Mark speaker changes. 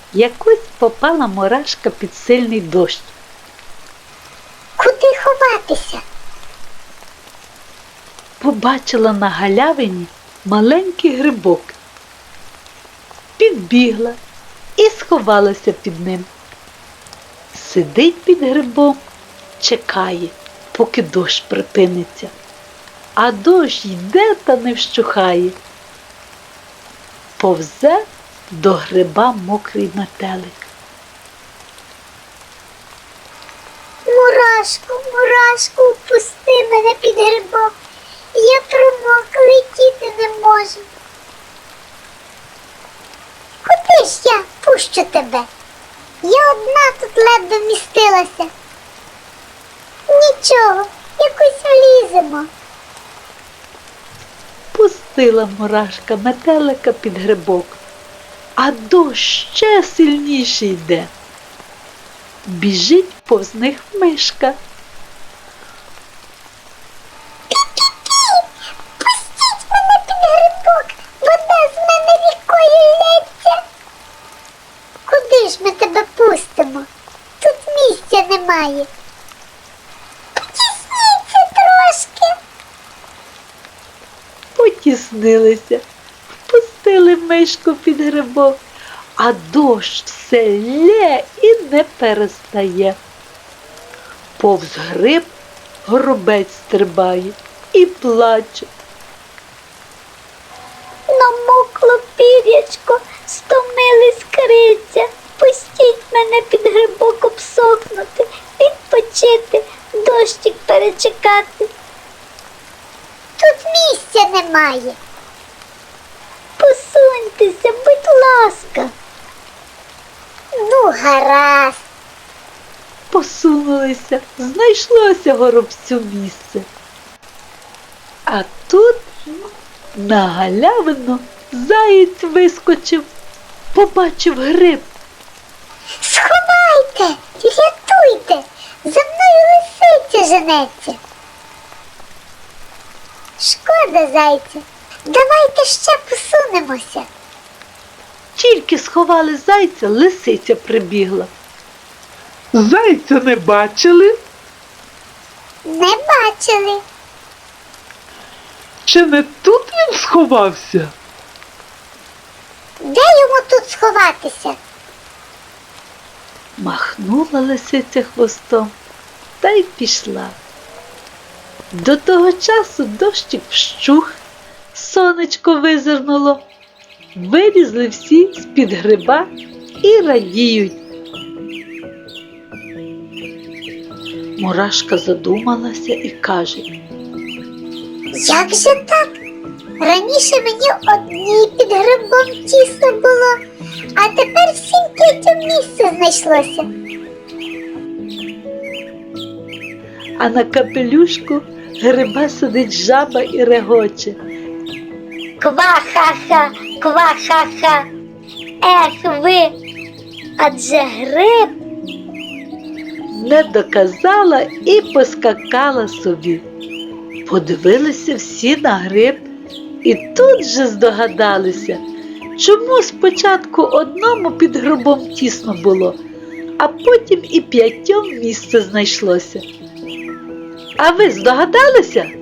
Speaker 1: Якось попала мурашка під сильний дощ.
Speaker 2: Куди ховатися?
Speaker 1: Побачила на галявині маленький грибок. Підбігла і сховалася під ним. Сидить під грибом, чекає, поки дощ припиниться. А дощ йде та не вщухає. Повзе до гриба мокрий метелик.
Speaker 2: Мурашку, мурашку, впусти мене під грибок. Я промок, летіти не можу. Куди ж я пущу тебе? Я одна тут ледве вмістилася. Нічого, якось вліземо.
Speaker 1: Пустила мурашка метелика під грибок, а дощ ще сильніше йде. Біжить повз них мишка.
Speaker 2: Пустіть мене під грибок, вода з мене рікою лється. Куди ж ми тебе пустимо? Тут місця немає. Потісніться трошки.
Speaker 1: Потіснилися, впустили мишку під грибок, а дощ все лє і не перестає. Повз гриб горобець стрибає і плаче.
Speaker 2: Намокло пір'ячко, стомились криця. Пустіть мене під грибок обсохнути, відпочити, дощик перечекати. Тут місця немає. Посуньтеся, будь ласка. Ну, гаразд.
Speaker 1: Посунулися, знайшлося горобцю місце. А тут на галявину заєць вискочив, побачив гриб.
Speaker 2: Сховайте, рятуйте, за мною лисиця женеться. Шкода, зайця, давайте ще посунемося.
Speaker 1: Тільки сховали зайця, лисиця прибігла.
Speaker 3: Зайця не бачили?
Speaker 2: Не бачили.
Speaker 3: Чи не тут він сховався?
Speaker 2: Де йому тут сховатися?
Speaker 1: Махнула лисиця хвостом та й пішла. До того часу дощик вщух, сонечко визирнуло. Вилізли всі з-під гриба і радіють. Мурашка задумалася і каже:
Speaker 2: Як же так? Раніше мені одній під грибом тісно було, а тепер всім п'ятьом місце знайшлося.
Speaker 1: а на капелюшку гриба сидить жаба і регоче.
Speaker 2: Ква-ха-ха, ква-ха-ха. Ех ви, адже гриб.
Speaker 1: Не доказала і поскакала собі. Подивилися всі на гриб і тут же здогадалися, чому спочатку одному під грибом тісно було, а потім і п'ятьом місце знайшлося. А ви здогадалися?